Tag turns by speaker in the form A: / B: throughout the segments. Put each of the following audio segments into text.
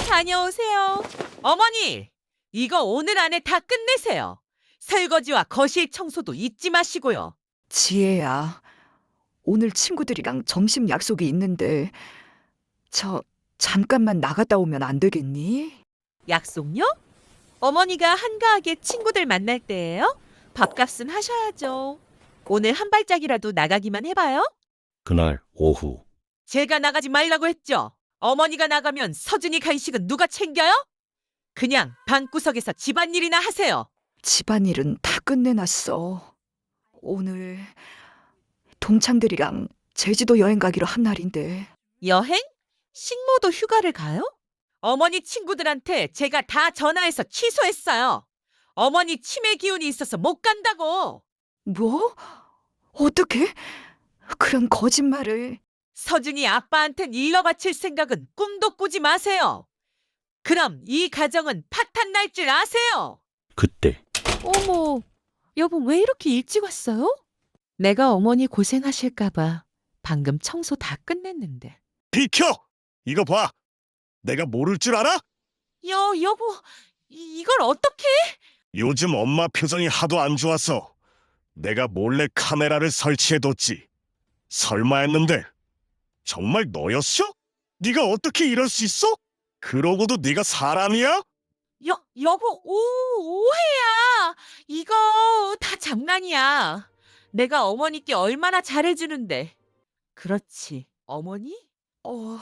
A: 다녀오세요. 어머니, 이거 오늘 안에 다 끝내세요. 설거지와 거실 청소도 잊지 마시고요.
B: 지혜야, 오늘 친구들이랑 점심 약속이 있는데, 잠깐만 나갔다 오면 안 되겠니?
A: 약속요? 어머니가 한가하게 친구들 만날 때예요? 밥값은 하셔야죠. 오늘 한 발짝이라도 나가기만 해봐요.
C: 그날 오후
A: 제가 나가지 말라고 했죠. 어머니가 나가면 서준이 간식은 누가 챙겨요? 그냥 방구석에서 집안일이나 하세요.
B: 집안일은 다 끝내놨어. 오늘 동창들이랑 제주도 여행 가기로 한 날인데,
A: 여행? 식모도 휴가를 가요? 어머니 친구들한테 제가 다 전화해서 취소했어요. 어머니 치매 기운이 있어서 못 간다고.
B: 뭐? 어떻게? 그런 거짓말을.
A: 서준이 아빠한텐 일러 바칠 생각은 꿈도 꾸지 마세요. 그럼 이 가정은 파탄 날 줄 아세요.
C: 그때
A: 어머, 여보 왜 이렇게 일찍 왔어요? 내가 어머니 고생하실까봐 방금 청소 다 끝냈는데.
D: 비켜! 이거 봐. 내가 모를 줄 알아?
A: 여보, 이걸 어떻게?
D: 요즘 엄마 표정이 하도 안 좋아서 내가 몰래 카메라를 설치해뒀지. 설마 했는데 정말 너였어? 네가 어떻게 이럴 수 있어? 그러고도 네가 사람이야?
A: 여보, 오해야. 이거 다 장난이야. 내가 어머니께 얼마나 잘해주는데. 그렇지, 어머니?
B: 어,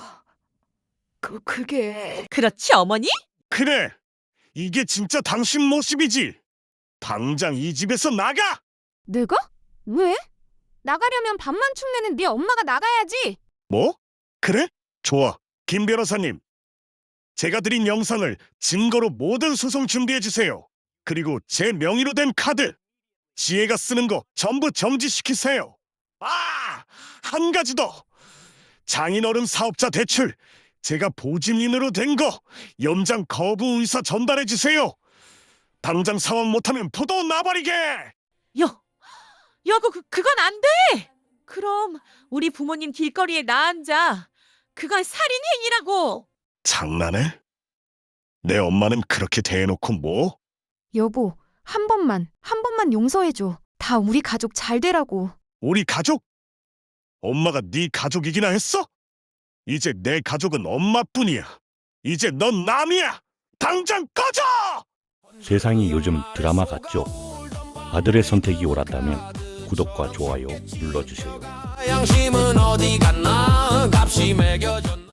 B: 그게...
A: 그렇지, 어머니?
D: 그래. 이게 진짜 당신 모습이지. 당장 이 집에서 나가!
E: 내가? 왜? 나가려면 밥만 축내는 네 엄마가 나가야지.
D: 뭐? 그래? 좋아. 김 변호사님. 제가 드린 영상을 증거로 모든 소송 준비해주세요. 그리고 제 명의로 된 카드, 지혜가 쓰는 거 전부 정지시키세요. 한 가지 더. 장인어른 사업자 대출, 제가 보증인으로 된 거 연장 거부 의사 전달해주세요. 당장 상환 못하면 포도 나버리게!
A: 여보, 그건 안 돼! 그럼 우리 부모님 길거리에 나앉아. 그건 살인행위라고!
D: 장난해? 내 엄마는 그렇게 대해놓고 뭐?
E: 여보, 한 번만 용서해줘. 다 우리 가족 잘 되라고.
D: 우리 가족? 엄마가 네 가족이기나 했어? 이제 내 가족은 엄마뿐이야. 이제 넌 남이야. 당장 꺼져!
C: 세상이 요즘 드라마 같죠? 아들의 선택이 옳았다면 구독과 좋아요 눌러주세요.
F: 양심은 어디 갔나 값이 매겨졌나